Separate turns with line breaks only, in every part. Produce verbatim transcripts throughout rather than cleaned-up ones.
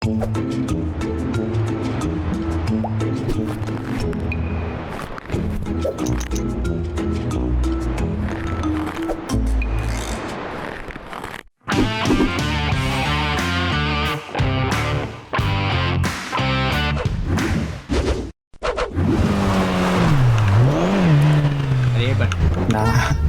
นะ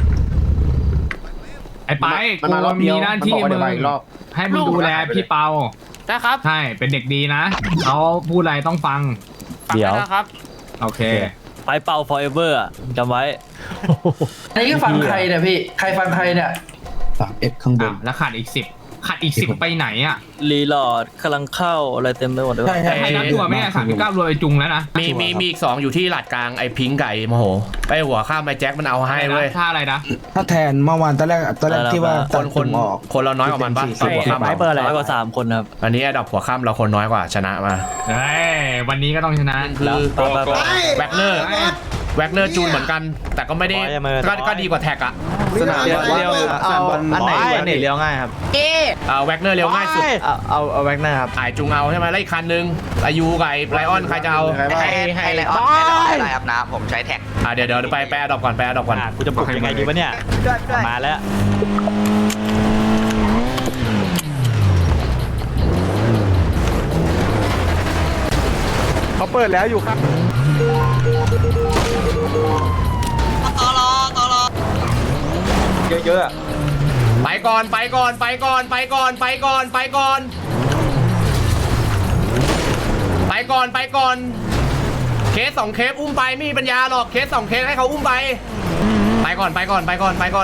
ไอ้ไปกูมีหน้าที่มึงให้มึงดูแลพี่เปา
ใช่ครับ
ใช่เป็นเด็กดีนะเขาพูดอะไรต้องฟัง
เดี๋ยวครับ
โอเค
ไปเป่า forever อ่ะจำไว้
ไอ้ฟังใครเนี่ยพี่ใครฟังใครเนี่ย
สามเอ็กข้างบนแล้วขาดอีกสิบขาดอีกสิบไปไหนอ่ะ
รีโหลดกำลังเข้าอะไรเต็มไปหมดเลย
ใช่ใช่นับตัวไม่ได้สามสิบเก้ารวมไอจุงแล้วนะ
มีมีมีอีกสองอยู่ที่หลัดกลางไอ้พิงไก่โมโหไปหัวข้ามไปแจ็คมันเอาให้เว้ย
ท่าอะไรนะ
ถ้าแทนเมื่อวานตอนแรกตอนแรกที่ว่า
คนคนคนเราน้อยกว่ามันปะหัวข้าม
ไม่เปิดอะไรน้อยกว่าสามคนครับ
อันนี้ดับหัวข้ามเราคนน้อยกว่าชนะมา
เฮ้ยวันนี้ก็ต้องชนะ
คือแบ็คเนอร์แว็กเนอร์จูนเหมือนกันแต่ก็ไม่ได้ก็ดีกว่าแท็กอะ
สนามเลี้ยวเลี้ยวอันไหนอันไหนเลี้ยวง่ายครับ
เออแว็กเนอร์เลี้ยวง่ายสุด
เอาเอาแว็กเนอร์ครับ
ไอจูงเอาใช่ไหมแล้วอีกคันนึงอายุกับไลออนใครจะเอา
ให้ให้ไลออนอะไรครับนะผมใช้แท็ก
อ่ะเดี๋ยวเดี๋ยวไปไปดอกก่อนไปดอกก่อน
กูจะปลุกยังไงดีวะเนี่ยมาแล้ว
เขาเปิดแล้วอยู่ครับ
ต่อรอต่อรอ
เยอะ
ๆไปก่อนไปก่อนไปก่อนไปก่อนไปก่อนไปก่อนไปก่อนไปก่อนเคสสองเคสอุ้มไปไม่มีปัญญาหรอกเคสสองเคสให้เขาอุ้มไปไปก่อนไปก่อนไปก่อนไปก่อน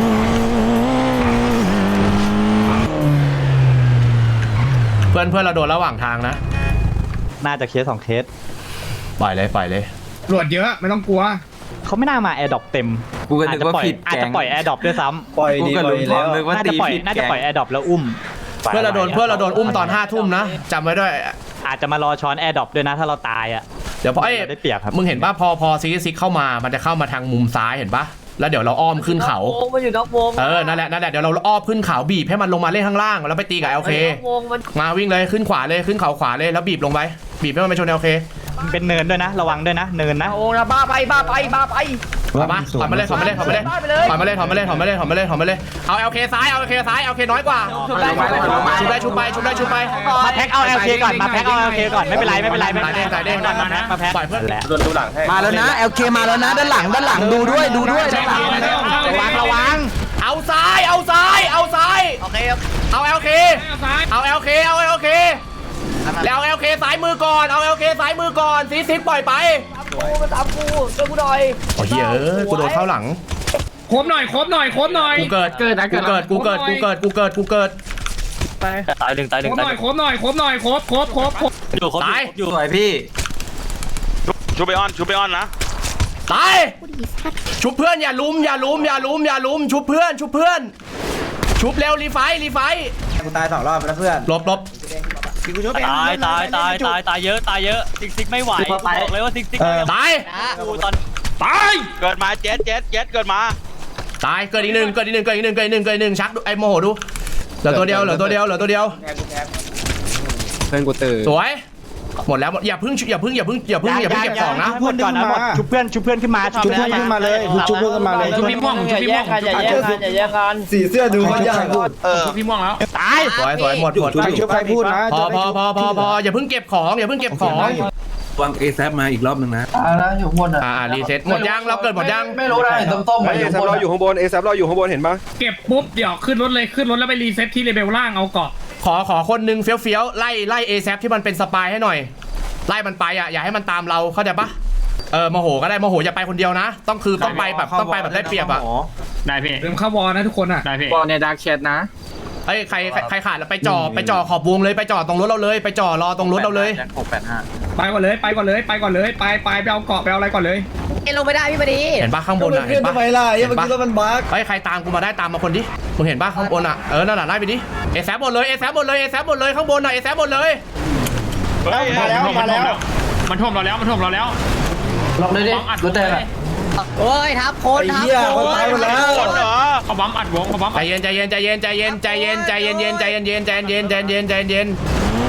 เพื่อนเพื่อนเราโดนระหว่างทางนะ
น่าจะเคสสองเคส
ปล่อยเลยปล่อยเลย
ตรวจเยอะไม่ต้องกลัว
เขาไม่น่ามาแอร์ดรอปเต็ม
อาจจะปล่อย
อาจจะปล่อยแอร์ดรอปด้วยซ้
ำปล่อยดีแล้ว
น่าจะปล่อยน่าจะปล่อยแอร์ดรอปแล้วอุ้ม
เพื่อเราโดนเพื่อเราโดนอุ้มตอนห้าทุ่มนะจำไว้ด้วย
อาจจะมารอช้อนแอร์ดรอปด้วยนะถ้าเราตายอ่ะ
เดี๋ยวพอไอ้
ได้เปรียบครับ
มึงเห็นป่ะพอพอซิกซิกเข้ามามันจะเข้ามาทางมุมซ้ายเห็นป่ะแล้วเดี๋ยวเราอ้อมขึ้นเขา
มันอยู่นอกวง
เออนั่นแหละนั่นแหละเดี๋ยวเราอ้อมขึ้นเขาบีบให้มันลงมาเล่นข้างล่างแล้วไปตีกับโอเคมาวิ่งเลยขึ้นขวาเลยขึ้นเขาขวาเลยแล้วบีบลงไปบีบให้มันไปชนโอเค
เป็นเนินด้วยนะระวังด้วยนะเนินนะ
โอ้นะบ้าไปบ้าไปบ้าไป
มาถอยมาเลยถอยมาเลยถอยมาเลยถอยมาเลยถอยมาเลยถอยมาเลยถอยมาเลยถอยมาเลยเอาเอลเคซ้ายเอาเอลเคซ้ายเอลเคน้อยกว่าชุบได้ชุบได้ชุบไปชุบได้ชุบไป
มาแพ็คเอาเอลเคก่อนมาแพ็คเอาเอลเคก่อนไม่เป็นไรไม่เป็นไรไม่เป็นไร
ใส่เด้งใส่เด้ง
มาแพ็ค
ปล่อยเพื่อน
โดนดูหลัง
มาแล้วนะเอลเคมาแล้วนะด้านหลังด้านหลังดูด้วยดูด้วยด้านหลัง
ระวังระวังเอาซ้ายเอาซ้ายเอาซ้าย
โอเค
เอาเอลเคเอาเอลเคเอาเอลเคแล้วเอลเคซ้ายมือก่อนเอาเอลเคซ้ายมือก่อนซีซิปปล่อยไป
กูมาตามกูช่วยกูหน่อย
โอ้ยเออกูโดนเข้าหลัง
โคบหน่อยโคบหน่อยโคบหน่อย
กูเกิดเกิดกูเกิดกูเกิดกูเกิดกูเกิดกูเกิด
ไปตายหนึ่งตายหนึ่งตาย
โคบหน่อยโคบหน่อยโคบโคบโคบโคบ
อยู่ตาย
อยู่สวยพี่
ชูไปออนชูไปออนนะ
ตายชุบเพื่อนอย่าลุมอย่าลุมอย่าลุมอย่าลุมชุบเพื่อนชุบเพื่อนชุบเร็วรีไฟรีไฟ
กูตายสองรอบแล้วเพื่อน
ลบลบ
ตายตายตายตายตายเยอะตายเยอะซิกซิกไม่ไหวบอกเลยว่าซิกซิก
ตาย
ตอน
ตาย
เกิดมาเจ็ดเจ็ดเจ็ดเกิดมา
ตายเกิดอีกหนึ่งเกิดอีกหนึ่งเกิดอีกหนึ่งเกิดอีกหนึ่งเกิดอีกหนึ่งชักไอ้โมโหดูเหลือตัวเดียวเหลือตัวเดียวเหลือตัวเดียว
เพื่อนกูตื่น
สวยหมดแล้วอย่าพึ่งอย่าพึ่งอย่าพึ่งอย่าพึ่งอย่าพึ่งเก็บของนะ
เพื่อนก่อนนะหมดชุบเพื่อนชุบเพื่อนขึ้นมา
ชุบเพื่อนขึ้นมาเลยชุบเพื่อนขึ้นมาเลย
ชุบพี่ม่วงชุบพี่ม่วง
อย่าแย่งกันอย่าแย่งกัน
สีเสื้อดูเขายาก
ชุบพี่ม่วงแล้ว
ตายสวยสวยหมดหมด
ชุบใครพูดนะ
พอพอพอพอพออย่าพึ่งเก็บของอย่าพึ่งเก็บของ
วางเอแซฟมาอีกรอบนึงนะ
อ่าแล้วอยู่บนอ่ะ
อ่ารีเซ็ตหมดยังเราเกิดหมดยัง
ไม่รู้ได้ต้มๆ
เอแซฟรออยู่ข้างบนเอแซฟรออยู่ข้างบนเห็นปะ
เก็บปุ๊บเดี๋ยวขึ้นรถเลยขึ้นรถแล้วไปรีเซ็ตที่เลเวลล่างเอาเกาะ
ขอขอคนนึงเฟี้ยวเฟี้ยวไล่ไล่เอแซฟที่มันเป็นสปายให้หน่อยไล่มันไปอ่ะอย่าให้มันตามเราเข้าใจปะเออโมโหก็ได้โมโหอย่าไปคนเดียวนะต้องคือต้องไปแบบต้องไปแบบได้เปรียบอ่ะ
ได้พี่เริ่มเข้าวอลนะทุกคนอ่ะ
ได้พี่
วอลในดาร์กแชทนะ
เฮ้ยใครใครขาดแล้วไปจ่อไปจ่อขอบวงเลยไปจ่อตรงรถเราเลยไปจ่อรอตรงรถเราเลย
หกแปดห้าไปก่อนเลยไปก่อนเลยไปก่อนเลยไปไปไปเอาเกาะไปเอาอะไรก่อนเลย
เอ็นลงไม่ได้พี่พอดี
เห็นปะข้างบนอ่ะเห็นปะ
ทำไมล่ะยังเมื่อกี้รถมันบั๊ก
เฮ้ยใครตามกูมาได้ตามมาคนดิมึงเห็นปะข้างบนอ่ะเออนั่นแหละไล่ไปดิเอแซบหมดเลยเอแซบหมดเลยเอแซบหมดเลยข้างบนอ่ะเอแซบหมดเลย
มาแล้วมาแล้วมันท่วมเราแล้วมันท่วมเราแล้ว
ลองเลยดิรถแดง
โอ้ยทับคนทับคน
ตายหมดแล้ว
เขาบัมอัดวงเขาบัม
ใจเย็นใจเย็นใจเย็นใจเย็นใจเย็นใจเย็นเย็นใจเย็นเย็นใจเย็นใจเย็นใจเย็นใจเย็น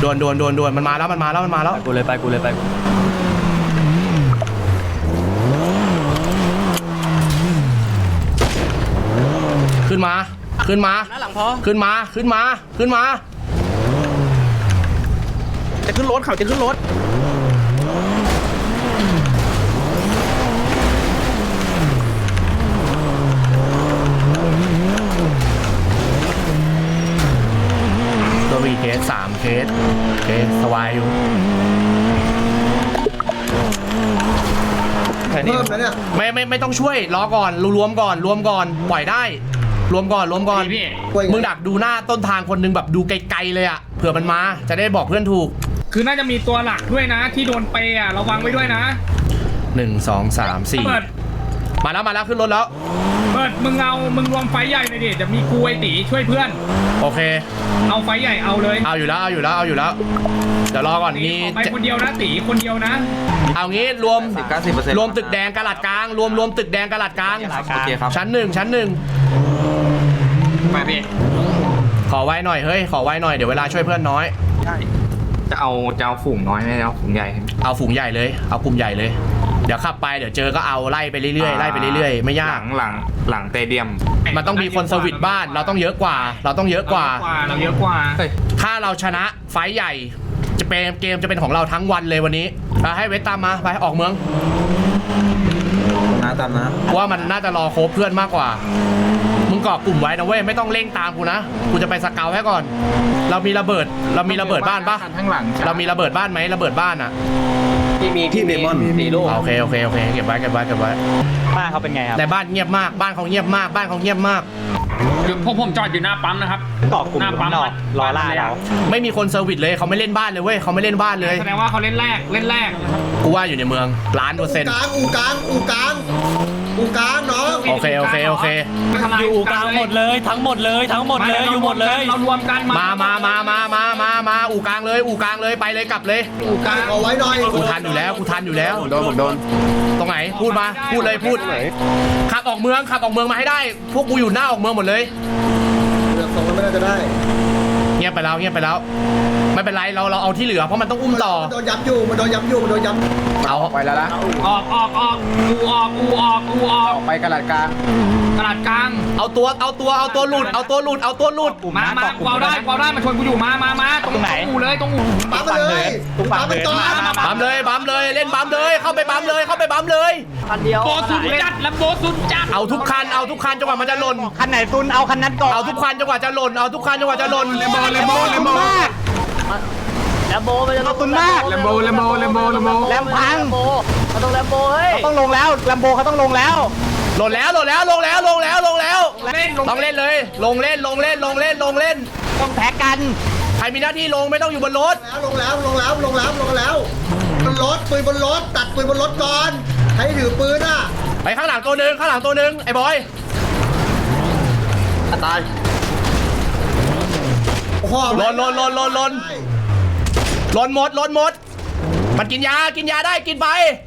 ด่วนด่วนด่วนด่วนมันมาแล้วมันมาแล้วมันมาแล้ว
กูเลยไปกูเลยไป
ขึ้นมาขึ้นมาขึ้นมาขึ้นมาขึ้นมา
จะขึ้นรถเขาจะขึ้นรถ
ตัวมีเคสสามเคสเคสสวายอยู่
เพิ่มแล้วเนี่ย
ไม่ไม่ไม่ต้องช่วยรอก่อนรวมก่อนรวมก่อนปล่อยได้รวมก่อนรวมก่อนมึงดักดูหน้าต้นทางคนนึงแบบดูไกลๆเลยอ่ะเผื่อมันมาจะได้บอกเพื่อนถูก
คือน่าจะมีตัวหลักด้วยนะ ที่โดนเปย์อ่ะระวังไว้ด้วยนะ
หนึ่งสองสามสี่
เปิด
มาแล้วมาแล้วขึ้นรถแล้ว
เปิดมึงเอามึงรวมไฟใหญ่หน่อยดิจะมีกูไอตีช่วยเพื่อน
โอเค
เอาไฟใหญ่เอาเลย
เอาอยู่แล้วเอาอยู่แล้วเอาอยู่แล้วเดี๋ยวรอก่อน
ตี
มี
ออกไปคนเดียวนะตีคนเดียวนะ
เอางี้รวม
สิบเก้าสิบเปอร์เซ็นต์
รวมตึกแดงกระหลัดกลางรวมรวมตึกแดงกระหลัดกลาง
โอเคครับ
ชั้นหนึ่งชั้นหนึ่ง
ไปพี่
ขอไว้หน่อยเฮ้ยขอไว้หน่อยเดี๋ยวเวลาช่วยเพื่อนน้อย
จะเอาจะเอาฝูงน้อยไม่เอาฝูงใหญ่
เอาฝูงใหญ่เลยเอากลุ่มใหญ่เลยเดี๋ยวขับไปเดี๋ยวเจอก็เอาไล่ไปเรื่อยๆไล่ไปเรื่อยๆไม่
ห
ยา
ลั
ก
งหลังหลังเตเดียม
มันต้องมีคนสวิตช์บ้านเราต้องเยอะกว่า เราต้องเยอะกว่า
เราเยอะกว่า
ถ้าเราชนะไฟท์ใหญ่ จะเป็นเกมจะเป็นของเราทั้งวันเลยวันนี้อ่ะให้เวทตามมาไปออกเมือง
นะตามนะ
ว่ามันน่าจะรอโคบเพื่อนมากกว่ามึงเกาะกลุ่มไว้นะเว้ยไม่ต้องเร่งตามกูนะกูจะไปสเกาให้ก่อน เรามีระเบิดเรามีระเบิดบ้านปะ
ข้างหลัง
เรามีระเบิดบ้านไหมระเบิดบ้านอ่ะ
ที่มี
ที่เดมอน
สี่ลูก
โอเคโอเคโอเคเก็บไว้เก็บไว้เก็บไว้
บ้านเขาเป็นไงครับ
แต่บ้านเงียบมากบ้านเขาเงียบมากบ้านเขาเงียบมาก
พวกผมจอดอยู่หน้าปั๊มนะครับ
เกาะกลุ่ม
หน้าปั๊ม
รอรอล่าเรา
ไม่มีคนเซอร์วิสเลยเขาไม่เล่นบ้านเลยเว้ยเขาไม่เล่นบ้านเลย
แสดงว่าเขาเล่นแรกเล่นแรกนะครับ
กูว่าอยู่ในเมืองล้านเปอร์เซ็นต์
กลางอูกลางอูกลางอูกลางน้อง
โอเคโอเคโอเค
อยู่กลางหมดเลยทั้งหมดเลยทั้งหมดเลยอยู่หมดเลย
เรารวมกัน
มามามามามามามาอู่กลางเลยอู่กลางเลยไปเลยกลับเลย
อูกลางเอาไว้หน่อย
กูทันอยู่แล้วกูทันอยู่แล้ว
โดนผมโดน
ตรงไหนพูดมาพูดเลยพูดขับออกเมืองขับออกเมืองมาให้ได้ พวกกูอยู่หน้าออกเมืองหมดเลย
เดือดสองมันไม่น่าจะได้
เงียบไปแล้วเงียบไปแล้ว ไม่เป็นไรเราเราเอาที่เหลือเพราะมันต้องอุ้มต่อ
มันโดนย้ำอยู่มันโดนย้ำอยู่มันโดนย้ำ
เอา
ไปแล้วนะ
ออกออกออกอูออกอูออกอูออก
ไปกระดาษกลาง
ตลาดกลาง
เอาตัวเอาตัวเอาตัวหลุดเอาตัวหลุดเอาตัวหลุด
มามากูเอาได้กูเอาได้มาชวนกูอยู่มามามาตรงอูเลยตรงอู
ปั๊มมาเลยปั๊มมันก่อน
บัมเลยบัมเลยเล่นบัมเลยเข้าไปบัมเลยเข้าไปบัมเลย
คันเดียว
โบสุดจัดแล้วโบสุดจัด
เอาทุกคันเอาทุกคันจนกว่ามันจะหล่น
คันไหนซุนเอาคันนั้นก่อน
เอาทุกคันจนกว่าจะหล่นเอาทุกคันจนกว่าจะหล่นเลมโบเลมโบเลมโบ
แลมโบมันจะตุนมาก
แลมโบแลมโบแลมโบแลมโบ
แลมพังเขาต้องแลมโบเฮ้ย
ต้องลงแล้วแลมโบเขาต้องลงแล้ว
หล่นแล้วหล่นแล้วลงแล้วลงแล้วลงแล้ว
เล่นลง
ต้องเล่นเลย ลงเล่นลงเล่นลงเล่นลงเล่น
ต้องแพ็กกัน
ใครมีหน้าที่ลงไม่ต้องอยู่บนรถ
แล้วลงแล้วลงแล้วลงแล้วลงแล้วบนรถปืนบนรถตัดปืนบนรถก่อนใครถือปืนอ่ะ
ไปข้างหลังตัวหนึ่งข้างหลังตัวหนึ่งไอ้บอย
ตายโอ้โห
หล่นหล่นหล่นหล่นหล่นหล่นหมดหล่นหมด มันกินยากินยาได้กินไป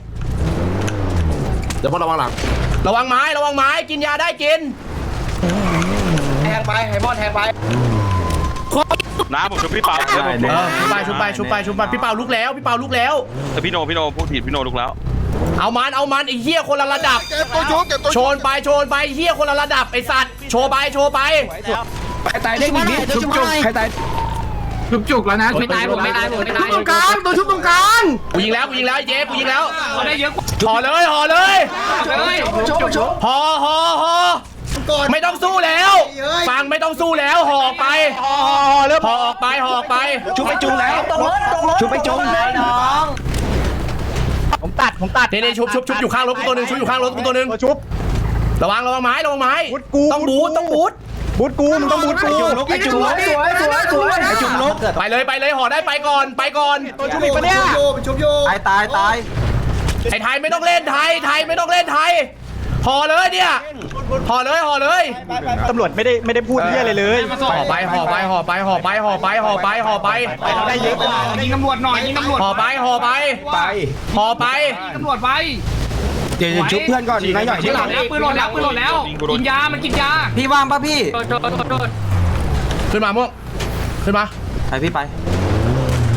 เดี๋ยวพอระวังหลัง
ระวังไม้ระวังไม้กินยาได้กิน
แทงไปไฮมอนแทงไป
น้าผมชุบพี่เปา
เออชุบไปชุบไปชุบไปชุบไปพี่เปาลุกแล้วพี่เปาลุกแล้ว
แต่พี่โนพี่โนพวกถีบพี่โนลุกแล้ว
เอามันเอามันไอ้เหี้ยคนละระดับ
เก็บตัวชุบเก็บตัว
โชนไปโชนไปเหี้ยคนละระดับไอ้สัตว์โชว์ไปโชว์ไป
ใครตายได้หนึ่งนิดชุบจุกใครตาย
จุกจุกแล้วนะ
ไม่ตายผมไม่ตายผมไม่ตาย
ตรงกลางตัวชุบตรงกลาง
กูยิงแล้วกูยิงแล้วไอ้เจ๊กูยิงแล้ว
เขาได้เยอะกว่า
ห่อเลยห่อเลย
เลย
ชุบชุบชุบ
ห่อห่อห่อ
ก่อน
ไม่ต้องสู้แล้วฟังไม่ต้องสู้แล้วห่อออกไปห่อห่อเริ่มห่อออกไปห่อออกไป
ชุบไปจุงแล้วชุบไปจุง
น้อง
ผมตัดผมตัด
เน่ๆชุบชุบชุบอยู่ข้างรถกูตัวหนึ่งชุบอยู่ข้างรถกูตัวหนึ่ง
ชุบ
ระวังระวังไม้ระวังไม้
บูทกู
ต้องบูทต้องบูท
บูทกูมึงต้องบูทกู
ไอ้จุงลุกสวยสวยสวยไอ้จุงลุก
ไปเลยไปเลยห่อได้ไปก่อนไปก่อน
ตัวชุบอีกปะเนี่ยชุบโย
ตายตายตาย
ไอ้ไทยไม่ต้องเล่นไทยไทยไม่ต้องเล่นไทยห่อเลยเนี่ยห่อเลยห่อเลย
ตำรวจไม่ได้ไม่ได้พูดเรื่องอะไรเลย
ห่อไปห่อไปห่อไปห่อไปห่อไปห่อไปห่อไป
เราได้เยอะกว่ายิงตำรวจหน่อยยิงตำรวจ
ห่อไปห่อไป
ไป
ห่อไป
ยิงตำรวจไป
เดี๋ยวชุบเพื่อนก่อนนายหน่อย
ปืนหล่นแล้วปืนหล่นแล้วปืนหล่นแล้วกินยามันกินยา
พี่ว่างป่ะพี่
โดนโดนโดน
ขึ้นมาม่วงขึ้นมา
ไปพี่ไป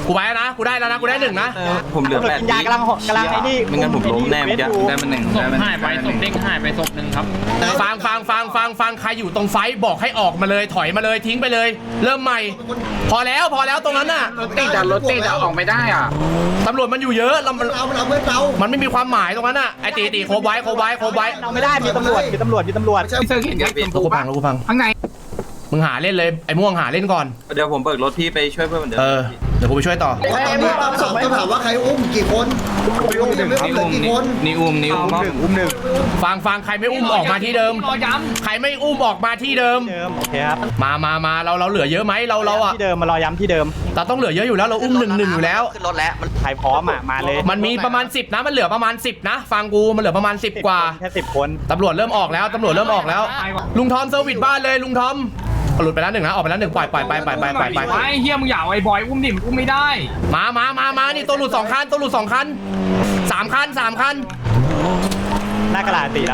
กูไปแล้วนะกูได้แล้วนะกูได้หนึ่งนะ
ผมเหลือแปดยากำลังกำลังไอ้นี่ไม่งั้นผมล้มแน่จะ
ได้มาหนึ่ง
ศ
ได้
พ
มา
หายไปศพเด้งหายไปศพหนึ่งครับ
ฟังฟังฟังฟังฟังใครอยู่ตรงไฟบอกให้ออกมาเลยถอยมาเลยทิ้งไปเลย เริ่มใหม่ พอแล้วพอแล้วตรงนั้นน่ะ
รถติดอะรถติดอะออกไม่ได้อ่ะ
ตำรวจมันอยู่เยอะเรามัน
เราเราเพื่อนเรา
มันไม่มีความหมายตรงนั้นน่ะไอตีตีโคบไว้โคบไว้โคบไว้
เราไม่ได้มีตำรวจมีตำรวจมีตำรวจ
ไม่ใช่
พี่เซอร์เห็นแค่ชม
แล้
พู
วกูพั
ปะ
งแล้วกูพัง
ข้างใน
มึงหาเล่นเลยไอ้ม่วงหาเล่นก่อน
เดี๋ยวผมเบิกรถพี่ไปช่วยเพื่อนเหมือนเดิม
เออเดี๋ยวกูไปช่วยต่อ
ตอนนี้ปั๊มสองต้องถามว่าใครอุ้มกี่คนอุ้มหนึ่งเหลือกี่คน
นี่อุ้มนี่อุ้ม
อุ้มหนึ่ง
ฟังฟังใครไม่อุ้มออกมาที่เดิม
รอย้
ใครไม่อุ้มออกมาที่เดิม
เดิมโอเคครับ
มามามาเราเราเหลือเยอะไหมเราเราอ่ะ
ที่เดิมมารอย้ำที่เดิม
เราต้องเหลือเยอะอยู่แล้วเราอุ้มหนึ่งหนึ่งอยู่แล้ว
ขึ้นรถแล้วมัน
ใครพร้อมอ่ะมาเลย
มันมีประมาณสิบนะมันเหลือประมาณสิบนะ ฟังกูมันเหลือประมาณสิบกว่า
แค่สิบคน
ตำรวจเริ่มออกแล้วตำรวจเริ่มออกแล้ว ลุงทอมเซอร์วิสบ้านเลยลุงทอมหลุดไปแล้วหนึ่งนะออกไปแล้วหนึ่งปล่อยปล่อยไปปล่อยไปปล่อยไป
ไอ้เฮียมึงอย่าไอ้บอยอุ้มดิมอุ้มไม่ได้
มามามามานี่ตัวหลุดสองคันตัวหลุดสองคันสามคันสามคัน
หน้ากระดาษตีแล้ว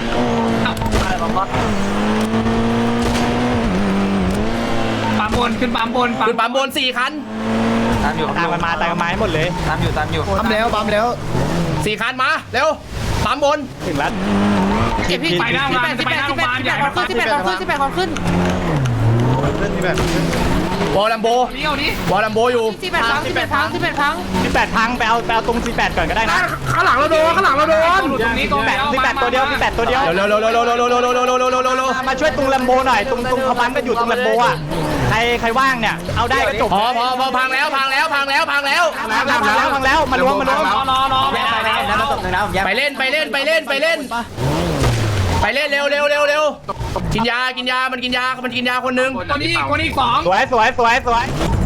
ปั๊มบนขึ้นปั๊มบน
ขึ้นปั๊มบนสี่คัน
ตามอยู่
ตามกันมาตามกันมาให้หมดเลย
ตามอยู่ตามอยู่
ปั๊มแล้วปั๊มแล้ว
สี่คันมาเร็วปั๊มบน
ถึงแล้ว
ไปหน้าโรงพยาบาลจะไปหน้าโรงพยาบาลอย่ามาปั๊ม
สิบแปดคนสิบแปดคนขึ้น
วอลลัมโบ
นี่เอาดิ
วอลลัมโบอยู่
สิบแปดพังสิบแปดพังสิบแปดพังสิบแปดพังไปเอาไปเอาตรงสิบแปดก่อนก็ได้นะ
ข้างหลังเราโดนข้างหลังเราโดน
ตรงนี้ตรง
สิบแปดสิบแปดตัวเดียวสิบแปดตัวเดียว
เร็วเร็วเร็วเร็วเร็วเร็วเร็วเร็วเร็วเร็วเร็วเร็วเร็วเร็ว
มาช่วยตรงลมโบหน่อยตรงตรงเขาปั๊มกันอยู่ตรงลมโบอ่ะใครใครว่างเนี่ยเอาได้ก็จบ
พอพอพอพังแล้วพังแล้วพังแล้วพังแล้ว
พังแล้วพังแล้วพังแล้วมารวมมารวม
รอรอรอไม่ได้แล้ว
แล้วตบหนึ่งนะผมแยก
ไปเล่นไปเล่นไปเล่นไปเล่นไปเล่นเร็วเร็วเร็วเร็วกินยากินยามันกินยามันกินยาคนนึง
คนนี้คนนี้สอง
สวยสวยสวยสวย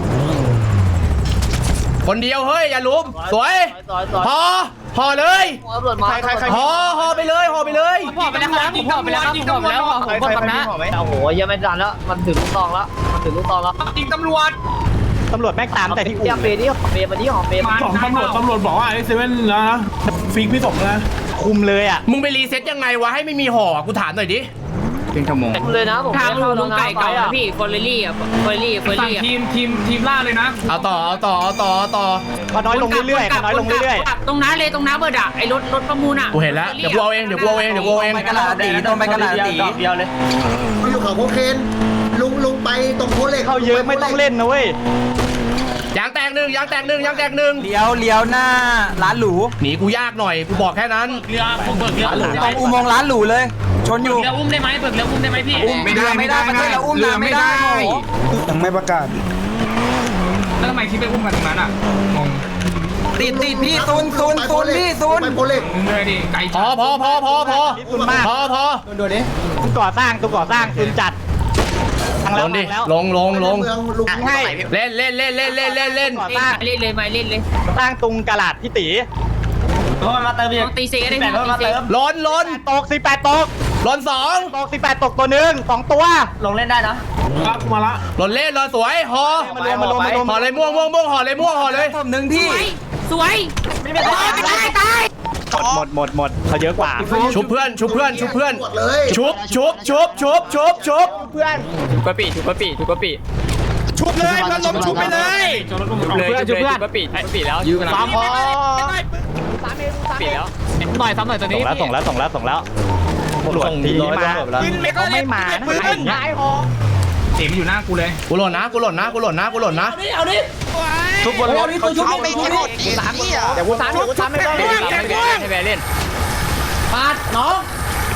คนเดียวเฮ้ยอย่าลุมสวยพอพอเลยพอพอไปเลยพอไปเลย
ผมไปแล้วครับผมไปแล้วครับผมไปแล้วผมไปแล้วนะ
โอ้โหยังไม่ทันแล้วมันถึงลูกตองแล้วมันถึงลูกตองแล้ว
ยิงตำรวจ
ตำรวจแม่งตามแต่ที่อุ้มเบนี่เบมาที่หอมเบ
สองตำรวจตำรวจบอกว่าไอ้เซเว่นนะฟิกพี่สมนะ
คุมเลยอ่ะ
มึงไปรีเซ็ตยังไงวะให้ไม่มีห่อกูถามหน่อยดิ
เป็นชั่วโมง
คุมเลยนะผม
ทางลุงลุงไก่เก่านะพี่เฟอร์เรลี่อ่ะเฟอร์รี่เฟอร์
สั่ง
รี่อ่ะ
ทีมทีมทีมล่าเลยนะ
เอาต่อเอาต่อเอาต่อเอาต่อ
ก็น้อยลงเรื่อยๆน้อยลงเรื่อย
ตรงนั้นเลยตรงน้าเบิร์ดอ่ะไอ้รถรถประมูลอ่ะ
กูเห็นแล้วเดี๋ยวกูเอาเองเดี๋ยวกูเอาเองเดี๋ยวกูเอาเอง
ไปกระดาษตีต้องไปกระดาษตี
เดียวเลย
ไปอยู่เขาโคเคนลุงลุงไปตรงโคเล็ก
เข้าเยอะไม่ต้องเล่นนะเว้ย
ยางแตกหนึ่งยางแตกหนึ่งยางแตกหนึ่ง
เลี้ยวเลี้ยวหน้าร้านหรู
หนีกูยากหน่อยกูบอกแค่นั้น
เรือผมเบิกเรือ
ตรงอุโมงค์ร้านหรูเลย ชนอยู่
เรืออุ้มได้ไหมเบิกเรืออุ้มได้ไหมพี่
อุ้มไม่ได้ไม่ได้ประเทศเราอุ้มน้ำไม่ได้
ยังไม่ประกาศ
แล้วทำไมคิดไปอุ้มกันตรงนั้นอ่ะงง
ติดติดพี่ซุนซุนซุนพี่ซุน
ไปโคเล็ก
เลยดิไก่
พอพอพอพอพอ
นี่ตุนมาก
พอพอ
ตุนก่อสร้างตุนก่อสร้างตุนจัดทาง
ล
แล้ว
งดิ
แล้ว
ลงลงลง
เมืองลุง
ให้
เล่นเล่นเล่นเล่นเล่นเล่นเล่น
ก่อสร้าง
เล่นเลยมาเล่นเลย
สร้างตุงกระดาษพี่ตี
ต้องตีเซก็ได้พี่ตีเซ
ล้นล้น
ตกสิบแปดตก
ล้นสอง
ตกสิบแปดตกตัวหนึ่งสองตัว
ล้นเล่นรอสวยห่อ
มารวมมารวมมารวม
ห่อเลยม่วงม่วงม่วงห่อเลยม่วงห่อเลย
ผมหนึ่งพี่
สวยไม่เป็นไรตายตาย
หมดหมดหมดเขาเยอะกว่า
ชุบเพื่อนชุบเพื่อนชุบเพื่อน
หมดเลย
ชุบชุบชุบชุบชุบชุบ
ทุกกะปิทุกกะปิทุกกะปิ
ชุบเลยเพื่อนล้มชุบไปเลย
เลยชุบเพื่อนทุกกะปิทุกกะปิแล้วยืนกันสามพอปิดแล้วหน่อยซ้ำหน่อยตัวนี้ส่งแล้วส่งแล้วส่งแล้วตำรวจทีนี้มาเขาไม่มานะอะไรอย่างเงี้ย
เสียงอยู่หน้ากูเลย
กูหล่นนะกูหล่นนะกูหล่นนะกูหล่นนะ
ทุกบนรถเขาชุบไม่ชุบสามเดี๋ยวกูสามเดี๋ยวกูสามไม่ต้องให้แบเล่นปาดน้อง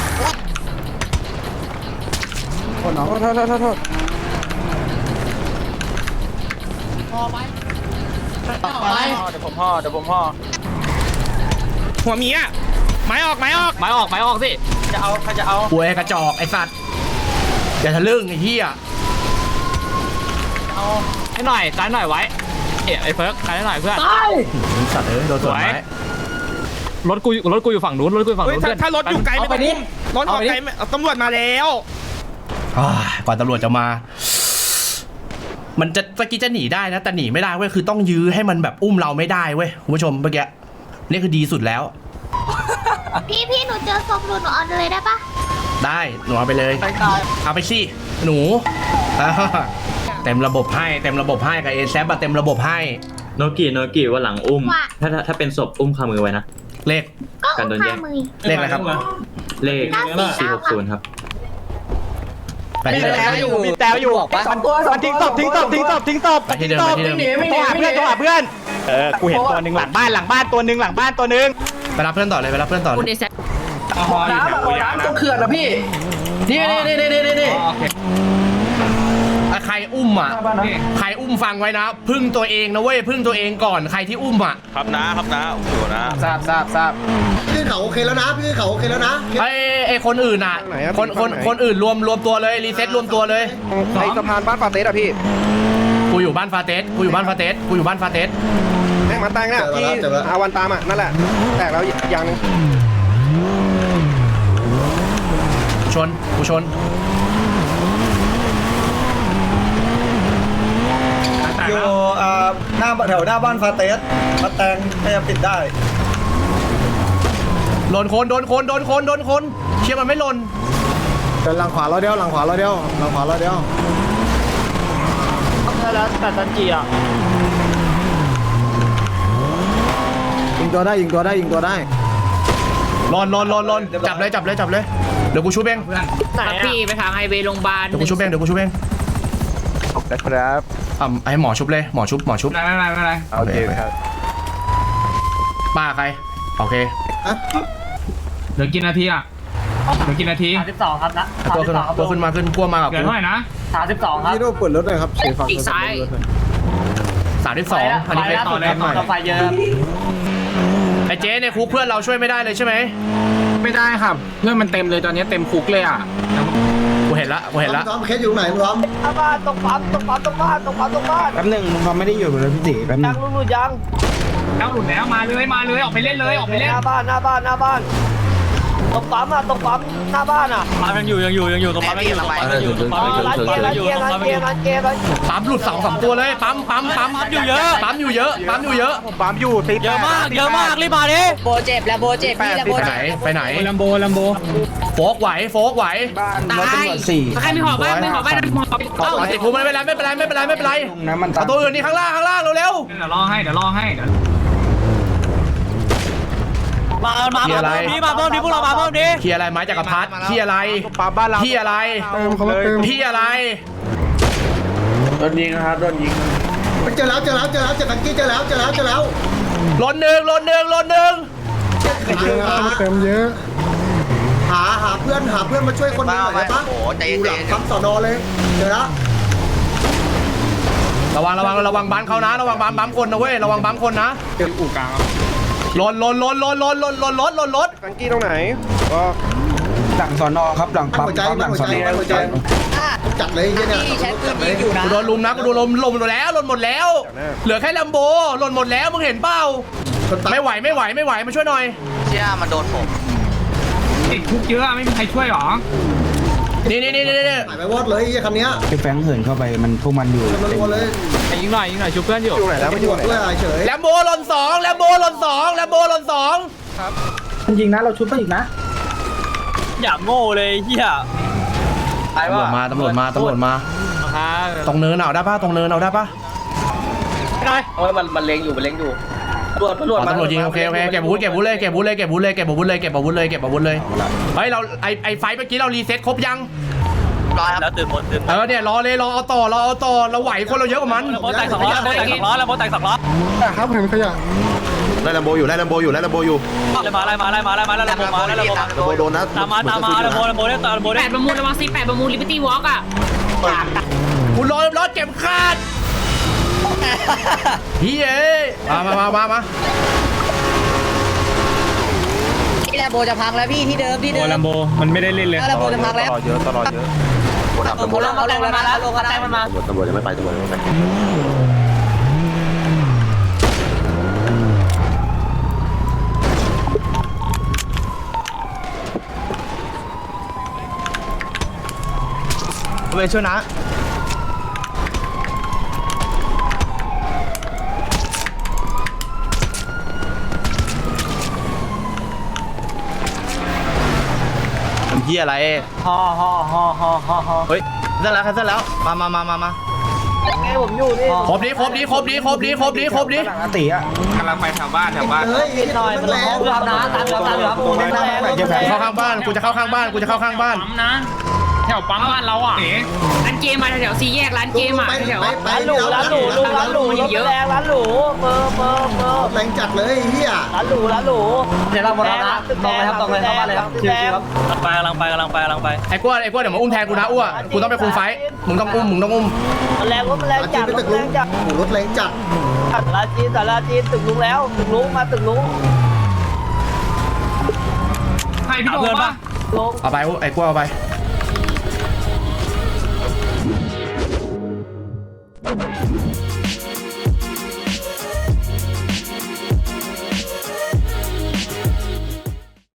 โทษน้องโทษโทษโทษโทษพอไปไปเดี๋ยวผมห่อเดี๋ยวผมห่อ
หัวเมียไม้ออกไม้ออก
ไม้ออกไม้ออกสิจะเอาใครจะเอา
ป่วยกระจอกไอ้สัตว์อย่าทะลึ่งไอ้เหี้ย
เอาให้หน่อยซ้ายหน่อยไว้เอ๋ไอ้เฟิร์กซ้ายหน่อยเพื่อน
สัตว์เอ้ยโดนสวนไม้
รถกูรถกูอยู่ฝั่งนู้นรถกูอยู่ฝั่งนู้นเพื่อนถ้ารถอยู่ไกลไม่ต้องอุ้มรถออกไกลตำรวจมาแล้ว
อ่ากว่าตำรวจจะมา มันจะตะกี้จะหนีได้นะแต่หนีไม่ได้เว้ยคือต้องยื้อให้มันแบบอุ้มเราไม่ได้เว้ยคุณผู้ชมเมื่อกี้นี่คือดีสุดแล้ว
พี่พี่หนูเจอศพหนูหนูเอาเลยได้ปะ
ได้หนูเอาไปเลยเอาไปสิหนูอ่าเต็มระบบให้เต็มระบบให้กับเอแซปเต็มระบบให้
โนกิโนกิว่าหลังอุ้ม ถ้าถ้าเป็นศพอุ้มคามือไว้นะ
เลข
ก็อุ้มพามือ
เลขอะไรครับ
เลข
เก้าสี่
สี่
เก้า
หก
ครั
ศู
บ
นย์ครับ
ไปที่เดิม
มีแต้วอยู่สองตัวสองทิ้งศพทิ้งศพทิ้งศพทิ้งศพ
ไปที่เดิมไปที่เดิม
โทรหาเพื่อนโทรหาเพื่อนเออกูเห็นตัวหนึ่งหลังบ้านหลังบ้านตัวหนึ่งหลังบ้านตัวหนึ่ง
ไปรับเพื่อนต่อเลยไปรับเพื่อนต่อเล
คุณ
ย
เอแซ
น้ำน้ำตรงเขื่อนนะพี่
นี่นี่นี่นี่นี่นี่
โอเค
ใครอุ้มอ่ะใครอุ้มฟังไว้นะ พึ่งตัวเองนะเว้ยพึ่งตัวเองก่อนใครที่อุ้มอ่ะ
ครับนะครับนะโอ้โหนะ
ทราบทราบทราบ
พี่เขาโอเคแล้วนะพี่เขาโอเคแล้วนะ
ไอ้ไอ้คนอื่นอ่ะคนคนคนอื่นรวมรวมตัวเลยรีเซ็ตรวมตัวเลย
ไอสะพานบ้านฟาเตสอะพี่
กูอยู่บ้านฟาเตสกูอยู่บ้านฟาเตสกูอยู่บ้านฟาเตส
แม่งมาแตงเนี่ยที่อาวันตามอ่ะนั่นแหละแตกแล้วยัง
ชนกูชน
อยู่หน้าแถวหน้าบ้านฟาเตสมาแตงพยายามปิดได้
หล่นคนโดนคนโดนคนโดนคนเชื่อมันไม่หล่น
เดินหลังขวาเราเดียวหลังขวาเราเดียวหลังขวาเราเดียว
แล้วแต่ตันจีอ่ะ
ยิงตัวได้ยิงตัวได้ยิงตัวได้
หล่นหล่นหล่นหล่นจับเลยจับเลยจับเลยเดี๋ยวกูชูเบง
ครับพี่ไปทางไฮเวย์โรงพยาบาล
เดี๋ยวกูชูเบงเดี๋ยวกูชูเบง
นะครับ
อ่ะให้หมอชุบเลยหมอชุบหมอชุบ
ไม่เป็นไรไม่เป็นไร
โอเคครับ
ป้าใครโอเค
เหลือกี่นาทีอ่ะเหลือกี่นาที
สามสิบสองครับนะ
ตัวขึ้นตัวขึ้นมาขึ้นกลัวมากับ
เกิด
กู
เท่าไหร่นะ
สามสิบสองครับ
พี่ดูเปิดรถหน่อยครับสีฟ้า
อีกซ้าย
สามที่สองอันนี้
ไฟ
เป็น
ล่า
ต่
สุ
อ
ด
เลย
ต่อไฟเยอะ
ไอ้เจ๊ในคุกเพื่อนเราช่วยไม่ได้เลยใช่ไหม
ไม่ได้ครับ เพื่อนมันเต็มเลยตอนนี้เต็มคุกเลยอ่ะ
กูเห็นละกูเห็นละ
ซ้อมเคสอยู่ไหนซ้อม
บ้านตรงปั๊มตรงปั๊มตรงบ้านตรงปั๊มตรงบ้านแป๊บหนึงมึงไม่ได้อยู่เลยพี่ตีแป๊บนึงยังลุงลุงยัง
แล้วหลุดแล้วมาเลยมาเลยออกไปเล่นเลยออกไปเล่น
หน้าบ้านหน้าบ้านหน้าบ้านตรงปั๊มอ่ะตรงปั๊มหน้าบ้านอ่ะ
ปั๊มยังอยู่ยังอยู่ยังอยู่ตรงปั๊มยังอยู่ตรงปั๊มยังอยู่ตรงปั๊มยังอยู่ตรงปั๊มยังอยู่ตรงปั๊มยังอยู่
ร้านเกมร้าน
ปั๊มหลุดสองสามตัวเลยปั๊มปั๊มปั๊ม
ปั๊มอยู่เยอะ
ปั๊มอยู่เยอะปั๊มอยู่เยอะ
ผมปั๊มอยู่ติด
เยอะมากเยอะมากรีบมาดิ
โบเจ็บแล้วโบเจ็บพี่แล้วโบ
ไปไหน
เจ็บ
ไปไหน
ลัมโบลัมโบ
โฟกไหวโฟกไหว
บ้าน
ตายใครมีหอบบ้างมีหอบบ้างมีหอบเอ้า
เอาติดคุกไม่เป็นไรไม่เป็นไรไม่เป็นไรไม่เป็นไร
น้ำมัน
เอาตัวอื่นนี่ข้างล่างข้างล่างเร็ว
เดี๋ยวรอให้เดี๋ยวรอให้เดี๋ยว
มามามาเพิ่มนี้มาเพิ่มนี้พวกเรามาเพิ่มนี้
ๆที่อะไรไม้จักรพรรดิที่อะไร
ปั๊มบ้านเรา
ที่อะไร
เติมเขามาเติม
ที่อะไร
โดนยิงนะครับโดนยิง
เจอแล้วเจอแล้วเจอแล้วเจอกันกี้เจอแล้วเจอแล้วเจอแล้ว
ลนหนึ่งลนหนึ่งลนหนึ่ง
เติมเยอะ
หาหาเพื่อนหาเพื่อนมาช่วยคนหนึงหน่อยได้ปะดูหลังปั๊มสอนอเลยเจอแล้ว
ระวังระวังระวังบัมเขานะ ระวังบัมบัมคนนะเว้ยระวังบัมคนนะ
เจออู่กลาง
ลนลนลนลนลนลนลนรถลนรถ
ฟังกี้ตรงไหนก็หลังสอนอครับหลังปั๊ม
หัวใจ
ปั๊มหลัง
หัว
สอ
ใจ
นอ
หัวใจจัดเลยไอ้เนี่ย
พี่ใช้ปืนยิงอยู่นะ
กูโดนลุมนะกูโดนลุมลุมหมดแล้วลนหมดแล้ว เหลือแค่ลัมโบลนหมดแล้วมึงเห็นเปล่าไม่ไหวไม่ไหวไม่ไหวมาช่วยหน่อย
เชี่ยมันโดนผม
ติดคุกเยอะไม่มีใครช่วยหรอ
นี่นี่นี่นี่นี่
หายไปวอดเลยไอ้คันเนี้ย
ไอ้แฟงเหินเข้าไปมันพวกมันอยู่
มันรัวเลย
ยิงหน่อยยิงหน่อยชูเพื่อนอยู่
อยู่ไหนแล้วไม่
ไม่
อ
อยู่
ยู่ไหน
ด้วยอะไรเฉย
แลมโบลนสองแลมโบลนสองแลมโบลนสอง
มันยิงนะเราชุบไปอีกนะ
อย่างโง่เลยเฮีย
ตำรวจมาตำรวจมาตำรวจมาตรงเนินเอาได้ปะตรงเนินเอาได้ปะ
โอ้ยมันมันเล็งอยู่มันเล็งอยู่ตำรวจตำรวจ
อ๋อตำรวจยิงโอเคโอเคเก็บอาวุธเก็บอาวุธเลยเก็บอาวุธเลยเก็บอาวุธเลยเก็บอาวุธเลยเก็บอาวุธเลยเก็บอาวุธเลยเฮ้ยเราไอไอไฟเมื่อกี้เรารีเซ็ตครบยัง
แล้วตื่นหมดตื่น
เออเนี่ยรอเลยรอเอาต่อรอเอาต่อเราไหวคนเราเยอะกว่ามัน
โบแตกสองล้อโบแตกสองล้อแล้วโบแตกสองล้อ
ครับเห็นขยะ
ไล่ลำโบอยู่ไล่ลำโบอยู่ไล่ลำโบอยู่
อะไรมาอะไรมาอะไรมาอะไรมาอะไรมาอะไรมา
ลำโบโดนนะ
ตามมาตามมาอะไรโบอะไรโบได้ตามโบ
แป
ได้
ดประมูลระวังสิแปดประมูลลิเบอร์ตี้วอล์กอ่ะ
กูรอรถเก็บคาดพี่เอ้ยมามามามามา
นี่แหละโบจะพังแล้วพี่ที่เดิมที่เดิม
ลัมโบมันไม่ได้เล่นเลย
แล้วโบจะพังแล้ว
เยอะตลอดเยอะ
โบลงเขาลงมาแล้วลงมาแล้วมันมา
ตำรวจยังไม่ไปตำรวจยังไม่ไป
ไปช่วยนะที่อะไร
ฮ่อฮ่อฮ่อฮ่อฮ่อฮ่อ
เฮ้ยเสร็จแล้วครับเสร็จแล้วมามามามามาผมอยู่นี่
ครบดีครบดีครบดีครบดีครบดีครบดี
ตีอ่ะ
กำลังไปแถวบ้านแถวบ้าน
เฮ้ยหน่อยมันแรง
ตามนะตามตามตามตามปูแรง
เข้าข้างบ้านกูจะเข้าข้างบ้านกูจะเข้าข้างบ้าน
ปั๊มนะแถวปั๊มบ้านเราอ่ะ
ร้านเกมมาแถวสี่แยกร้านเกมอ่ะแถว
ไปไป
ร้านหรูร้านหรูลุงร้านหรูเยอะแรงร้านหรูเบอร์เบอร์เบอร์
แรงจัดเลยเฮีย
ร้านหรูร้านหรูเดี๋ยวเราหมดแล้วนะตรงเลยครับตรงเลยเข้าบ้านเลยครับชิวๆครับ
ไปกำลังไปกำลังไปกำลังไป
ไอ้กล้วยไอ้กล้วยเดี๋ยวมาอุ้มแทนกูนะอ้วกูต้องไปคุมไฟมึงต้องอุ้มมึงต้องอุ้ม
แรงรถแรงจัดรถแรงจัด
โอ้รถแรงจัด
สาราจีนสาราจีนตึกลุงแล้วตึกลุงมาตึกลุง
ให้พี่โดป่ะ
ลุง
เอาไปไอ้กล้วยเอาไป